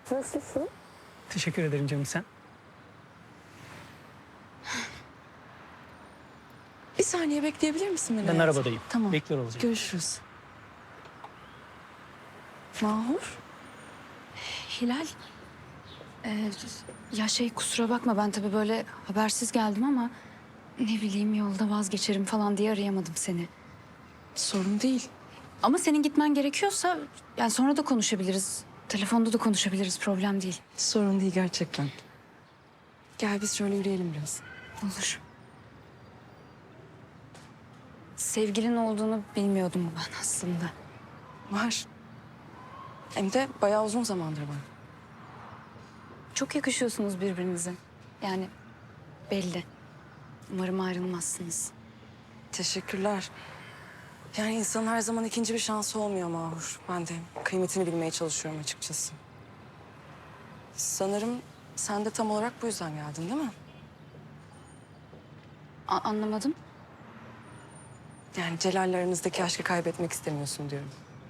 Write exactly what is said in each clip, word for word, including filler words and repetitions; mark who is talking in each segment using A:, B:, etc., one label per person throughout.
A: Nasılsın?
B: Teşekkür ederim canım, sen.
A: Bir saniye bekleyebilir misin beni?
B: Ben
A: hayatım?
B: arabadayım.
A: Tamam.
B: Bekliyor olacağım.
A: Görüşürüz. Mahur.
C: Hilal, e, ya şey kusura bakma ben tabii böyle habersiz geldim ama ne bileyim yolda vazgeçerim falan diye arayamadım seni.
A: Sorun değil.
C: Ama senin gitmen gerekiyorsa yani sonra da konuşabiliriz. Telefonda da konuşabiliriz, problem değil.
A: Sorun değil gerçekten. Gel biz şöyle yürüyelim biraz.
C: Olur. Sevgilin olduğunu bilmiyordum ben aslında.
A: Var. Hem de bayağı uzun zamandır var.
C: Çok yakışıyorsunuz birbirinize. Yani belli. Umarım ayrılmazsınız.
A: Teşekkürler. Yani insanın her zaman ikinci bir şansı olmuyor Mahur. Ben de kıymetini bilmeye çalışıyorum açıkçası. Sanırım sen de tam olarak bu yüzden geldin değil mi?
C: A- anlamadım.
A: Yani Celal'le aranızdaki aşkı kaybetmek istemiyorsun diyorum.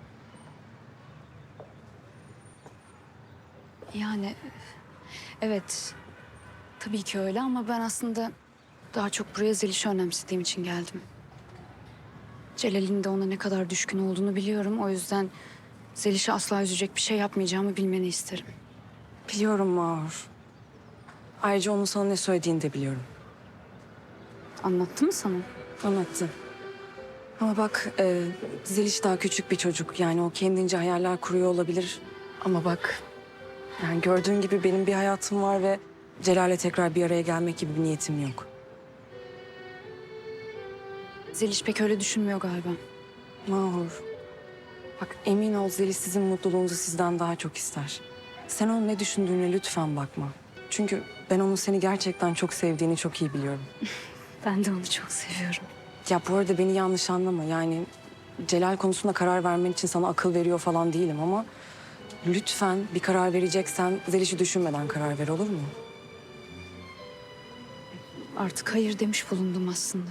C: Yani evet tabii ki öyle ama ben aslında daha çok buraya Zeliş'i önemsediğim için geldim. Celal'in de ona ne kadar düşkün olduğunu biliyorum. O yüzden Zeliş'i asla üzecek bir şey yapmayacağımı bilmeni isterim.
A: Biliyorum Mahur. Ayrıca onun sana ne söylediğini de biliyorum.
C: Anlattı mı sana?
A: Anlattı. Ama bak e, Zeliş daha küçük bir çocuk. Yani o kendince hayaller kuruyor olabilir. Ama bak yani gördüğün gibi benim bir hayatım var ve Celal'le tekrar bir araya gelmek gibi bir niyetim yok.
C: Zeliş pek öyle düşünmüyor galiba.
A: Mahur. Bak emin ol Zeliş sizin mutluluğunuzu sizden daha çok ister. Sen onun ne düşündüğüne lütfen bakma. Çünkü ben onun seni gerçekten çok sevdiğini çok iyi biliyorum.
C: Ben de onu çok seviyorum.
A: Ya bu arada beni yanlış anlama. Yani Celal konusunda karar vermen için sana akıl veriyor falan değilim ama... lütfen bir karar vereceksen Zeliş'i düşünmeden karar ver, olur mu?
C: Artık hayır demiş bulundum aslında.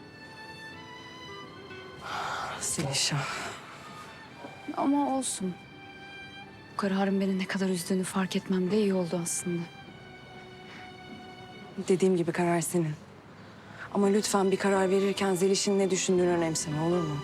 A: Zeliş ah.
C: Ama olsun. Bu kararın beni ne kadar üzdüğünü fark etmem de iyi oldu aslında.
A: Dediğim gibi karar senin. Ama lütfen bir karar verirken Zeliş'in ne düşündüğünü önemseme, olur mu?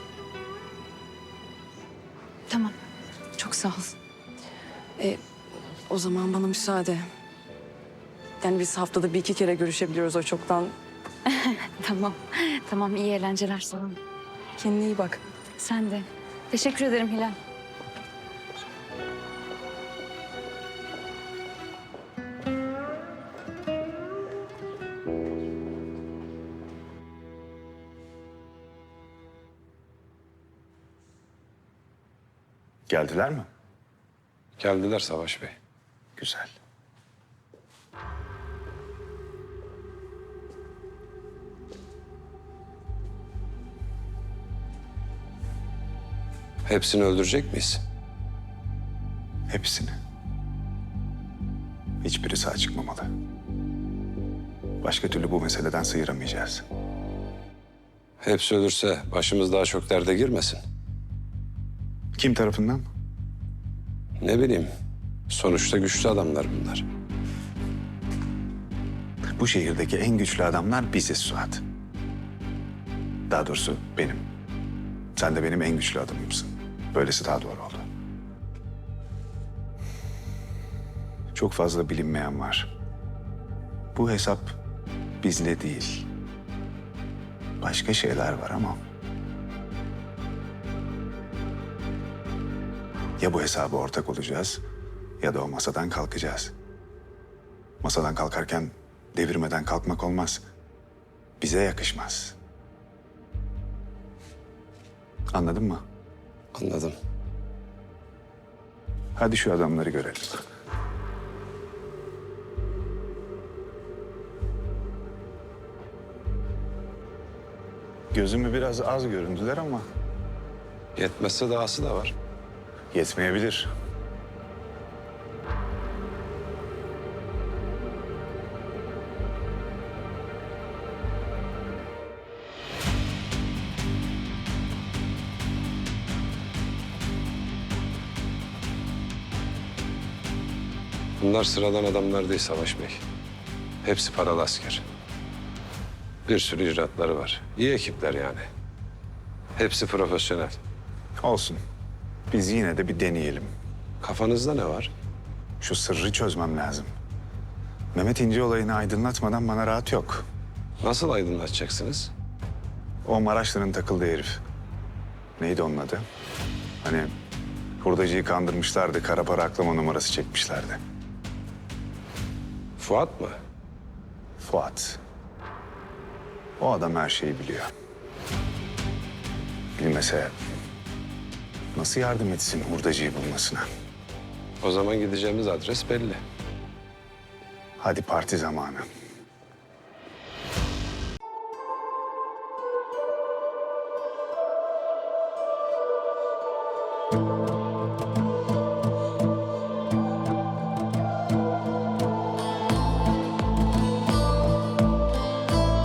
C: Tamam. Çok sağ ol.
A: E, o zaman bana müsaade. Yani biz haftada bir iki kere görüşebiliyoruz o çoktan.
C: Tamam. Tamam iyi eğlenceler sana.
A: Kendine iyi bak.
C: Sen de. Teşekkür ederim Hilal.
D: Geldiler mi?
E: Geldiler Savaş Bey.
D: Güzel.
E: Hepsini öldürecek miyiz?
D: Hepsini. Hiçbiri sağ çıkmamalı. Başka türlü bu meseleden sıyıramayacağız.
E: Hepsi ölürse başımız daha çok derde girmesin.
D: Kim tarafından?
E: Ne bileyim. Sonuçta güçlü adamlar bunlar.
D: Bu şehirdeki en güçlü adamlar biziz Suat. Daha doğrusu benim. Sen de benim en güçlü adamımsın. Böylesi daha doğru oldu. Çok fazla bilinmeyen var. Bu hesap bizle değil. Başka şeyler var ama... ya bu hesaba ortak olacağız ya da o masadan kalkacağız. Masadan kalkarken devirmeden kalkmak olmaz. Bize yakışmaz. Anladın mı?
E: Anladım.
D: Hadi şu adamları görelim. Gözümü biraz az göründüler ama
E: Yetmezse dahası da var.
D: yetmeyebilir.
E: Bunlar sıradan adamlar değil Savaş Bey. Hepsi paralı asker. Bir sürü icraatları var. İyi ekipler yani. Hepsi profesyonel.
D: Olsun. Biz yine de bir deneyelim.
E: Kafanızda ne var?
D: Şu sırrı çözmem lazım. Mehmet İnce olayını aydınlatmadan bana rahat yok.
E: Nasıl aydınlatacaksınız?
D: O Maraşlı'nın takıldığı herif. Neydi onun adı? Hani hurdacıyı kandırmışlardı, kara para aklama numarası çekmişlerdi.
E: Fuat mı?
D: Fuat. O adam her şeyi biliyor. Bilmese nasıl yardım etsin hurdacıyı bulmasına?
E: O zaman gideceğimiz adres belli.
D: Hadi parti zamanı.